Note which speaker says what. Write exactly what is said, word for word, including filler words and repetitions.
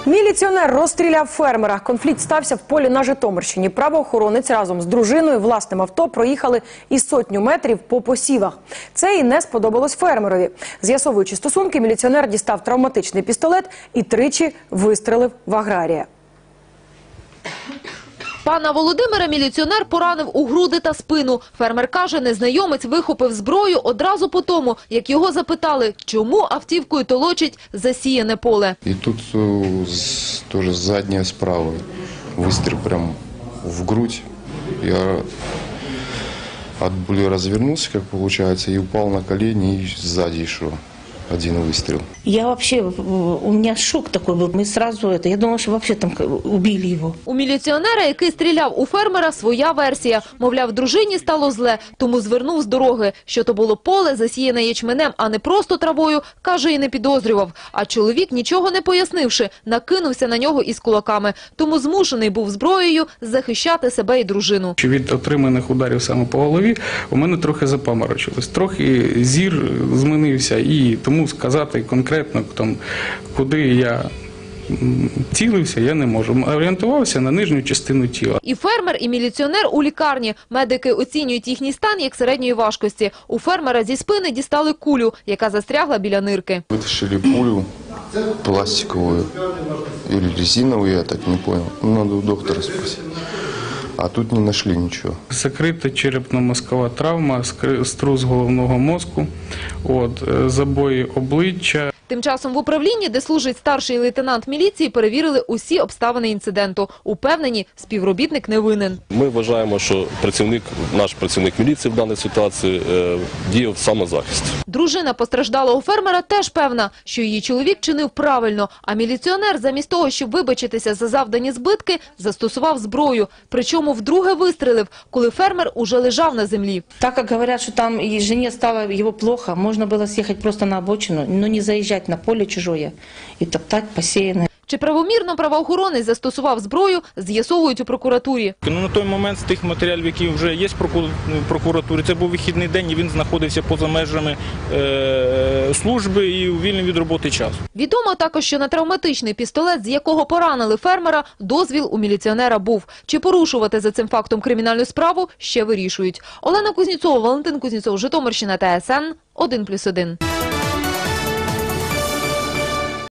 Speaker 1: Міліціонер розстріляв фермера. Конфлікт стався в полі на Житомирщині. Правоохоронець разом з дружиною власним авто проїхали із сотню метрів по посівах. Це і не сподобалось фермерові. З'ясовуючи стосунки, міліціонер дістав травматичний пістолет і тричі вистрелив в аграрія.
Speaker 2: Пана Володимира міліціонер поранив у груди та спину. Фермер каже, незнайомець вихопив зброю одразу по тому, як його запитали, чому автівкою толочить засіяне поле.
Speaker 3: І тут теж задня справа. Вистріл прямо в грудь. Я от боли розвернувся, як виходить, і впав на коліні, і ззаді йшов. Один выстрел.
Speaker 4: Я вообще, у меня шок такой был. Мы сразу это, я думала, что вообще там убили его.
Speaker 2: У міліціонера, який стріляв у фермера, своя версія. Мовляв, дружині стало зле, тому звернув з дороги. Що то було поле, засіяне ячменем, а не просто травою, каже, і не підозрював. А чоловік, нічого не пояснивши, накинувся на нього із кулаками. Тому змушений був зброєю захищати себе і дружину.
Speaker 5: Від отриманих ударів саме по голові у мене трохи запаморочилось. Трохи зір змінився і тому Тому сказати конкретно, там, куди я цілився, я не можу. Орієнтувався на нижню частину тіла.
Speaker 2: І фермер, і міліціонер у лікарні. Медики оцінюють їхній стан як середньої важкості. У фермера зі спини дістали кулю, яка застрягла біля нирки.
Speaker 3: Витащили пулю пластиковую или резиновую, я так не понял. Надо у доктора спросить. А тут не знайшли нічого.
Speaker 5: Закрита черепно-мозкова травма, струс головного мозку, от, забої обличчя.
Speaker 2: Тим часом в управлінні, де служить старший лейтенант міліції, перевірили усі обставини інциденту. Упевнені, співробітник не винен.
Speaker 6: Ми вважаємо, що працівник, наш працівник міліції в даній ситуації е, діяв в самозахист.
Speaker 2: Дружина постраждалого фермера теж певна, що її чоловік чинив правильно, а міліціонер замість того, щоб вибачитися за завдані збитки, застосував зброю. Причому вдруге вистрелив, коли фермер уже лежав на землі.
Speaker 4: Так як говорять, що там і жені стало його плохо, можна було з'їхати просто на обочину, но не заїжджати на поле чужое і топтати посіяне.
Speaker 2: Чи правомірно правоохоронець застосував зброю, з'ясовують у прокуратурі.
Speaker 7: Ну, на той момент з тих матеріалів, які вже є в прокуратурі, це був вихідний день і він знаходився поза межами е служби і вільний від роботи час.
Speaker 2: Відомо також, що на травматичний пістолет, з якого поранили фермера, дозвіл у міліціонера був. Чи порушувати за цим фактом кримінальну справу, ще вирішують. Олена Кузнєцова, Валентин Кузнєцов, Житомирщина, Т С Н, один плюс один.